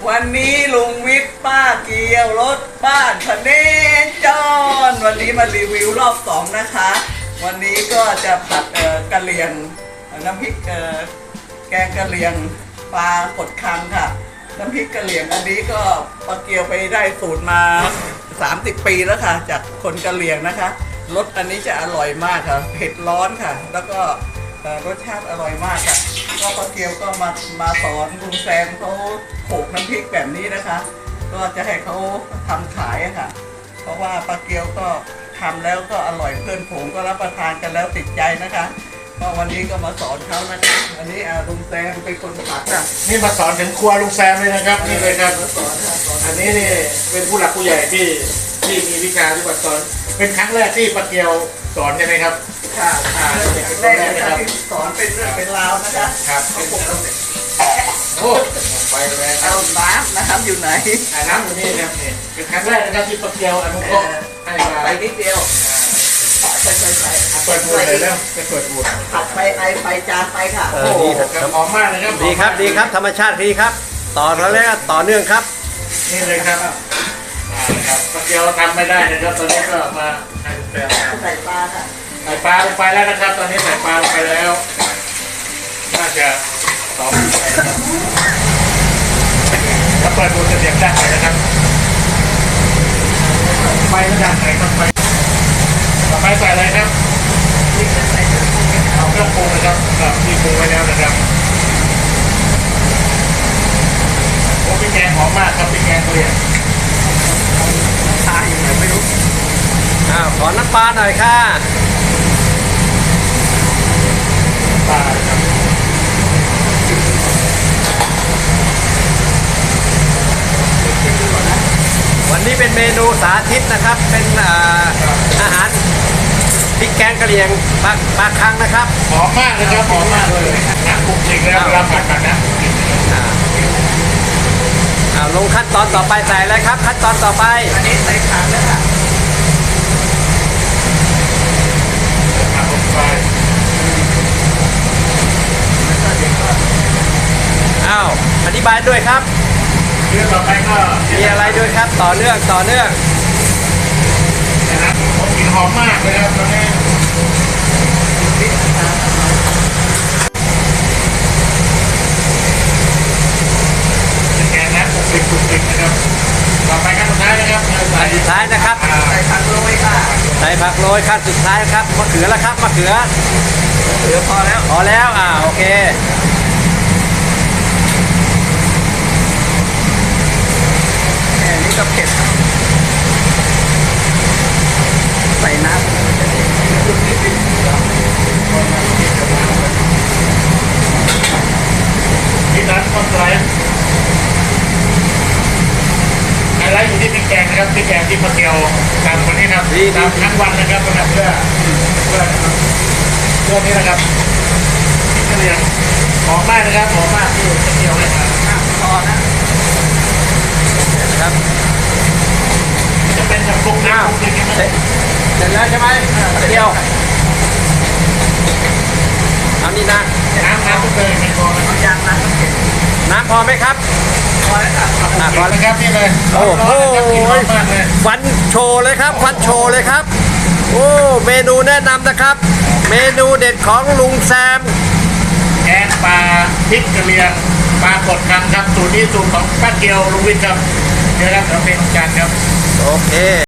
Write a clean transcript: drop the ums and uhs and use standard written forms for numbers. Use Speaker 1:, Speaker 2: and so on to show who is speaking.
Speaker 1: วันนี้ลุงวิทย์ป้าเกียวรถบ้านพเนจรวันนี้มารีวิวรอบ2นะคะ วันนี้ก็จะผัดกะเหรี่ยงน้ำพริกแกงกะเหรี่ยงปลากดคังค่ะน้ำพริกกะเหรี่ยงอันนี้ก็ป้าเกียวไปได้สูตรมา30 ปีแล้วค่ะจากคนกะเหรี่ยงนะคะรสอันนี้จะอร่อยมากค่ะเผ็ดร้อนค่ะแล้วก็รสชาติอร่อยมากค่ะก็ป้าเกียวก็มาสอนลุงแซมเขาโขลกน้ำพริกแบบนี้นะคะ ก็จะให้เขาทำขายอะค่ะเพราะว่าป้าเกียวก็ทำแล้วก็อร่อยเพื่อนผมก็รับประทานกันแล้วติดใจนะคะก็วันนี้ก็มาสอนเขานะคะอันนี้ลุงแซมเป็นคนผัดค่ะ
Speaker 2: นี่มาสอนถึงครัวลุงแซมเลยนะครับนี่เลยครับอันนี้นี่เป็นผู้หลักผู้ใหญ่ที่มีวิชาที่สอนเป็นครั้งแรกที่ป้าเกียวสอนใช่ไหมครับ
Speaker 1: ค่ะแรกนะครับสอนเป็นเรื่องเป็นราวนะคะ
Speaker 2: ครับโอ้ไปเลย
Speaker 1: เอาน้ำนะครับอยู่ไหน
Speaker 2: น้ำอยู่นี่ครับนี่เป็นครั้งแรกนะครับที่ป้าเกียวอนุเคราะห์ให้มา
Speaker 1: ไปนิดเดียว
Speaker 2: เปิดบูดเลยแล้วจะเปิดบูด
Speaker 1: ขับไปไอไปจานไปค่ะ
Speaker 2: โอ้โหหอมมากเลยครับ
Speaker 3: ดีครับดีครับธรรมชาติดีครับต่อแล้วต่อเนื่องครับ
Speaker 2: นี่เลยครับป้าเกียวทำไม่ได้นะครับตอนนี้ก็มา
Speaker 1: ใส่ปลาค่ะ
Speaker 2: ใส่ปลาลงไปแล้วนะครับตอนนี้ใส่ปลาลงไปแล้วน่าจะต่อไปนะครับถ้าเปิดบูดจะเสียงดังเลยนะครับไฟระดับไหนครับไฟต่อไปใส่อะไรครับเอาเครื่องปรุงนะครับที่ปรุงไว้แล้วนะครับโอ้พริกแกงหอมมากครับพริกแกงเกลียง
Speaker 1: ทาอย่างไรไม่รู้
Speaker 3: ขอน้ำปลาหน่อยค่ะ
Speaker 2: ปลาครับ
Speaker 3: วันนี้เป็นเมนูสาธิตนะครับเป็นอาหารพริกแกงกะเหรี่ยงปลาคังนะครับ
Speaker 2: หอมมากเลยครับหอมมากเลยน้ำปรุงจริงแล้วเวลาผัดกันนะ
Speaker 3: ลงขั้นตอนต่อไปใส่อะไรครับขั้นตอนต่อไป
Speaker 1: อันนี้ใส่ผักแล้วค่ะ
Speaker 2: ผักลงไป
Speaker 3: อธิบายด้วยครับ
Speaker 2: เรื่องต่อไปก็
Speaker 3: มีอะไรด้วยครับต่อเนื่อง
Speaker 2: นะครับกลิ่นหอมมากเลยครับตอนนี้แกงนะปรุงนะครับต่อไปขั้นสุดท้ายนะครับ
Speaker 3: ขั้นสุดท้ายนะครับ
Speaker 1: ใส่ผักโรยค่ะ
Speaker 3: ใส่ผักโรยขั้นสุดท้ายครับมะเขือแล้วครับมะเขือ
Speaker 1: พอแล้ว
Speaker 3: โอเค
Speaker 1: นี่ก็เผ็ดใส่น้ำ
Speaker 2: ที่ร้านคอนไลท์ไฮไลท์อยู่ที่พริกแกงนะครับพริกแกงที่ป้าเกียวทำวันนี้ครับทำทั้งวันนะครับเพื่อนี้นะครับพริกกะเหรี่ยงหอมมากนะครับหอมมากที่ป้าเกียวให้มา
Speaker 1: พอ
Speaker 3: นะครับ
Speaker 2: จะเป็นแบบปรุงน้ำ
Speaker 3: เสร็จแล้วใช่ไหมเดียวเอานี่นะ
Speaker 2: น้ำเลยไม่พอ
Speaker 1: เอายาง
Speaker 3: น้ำพอไหมครับ
Speaker 1: พอแล้วค่ะ
Speaker 2: พอแล้วครับนี่เลย
Speaker 3: โอ้โหฟันโชว์เลยครับโอ้เมนูแนะนำนะครับเมนูเด็ดของลุงแซม
Speaker 2: แกงปลาพริกกะเหรี่ยงปลากดคังครับสูตรนี้สูตรของป้าเกียวลุงวิทย์ครับเดี๋ยวเราเป็นจานครับ
Speaker 3: โอเค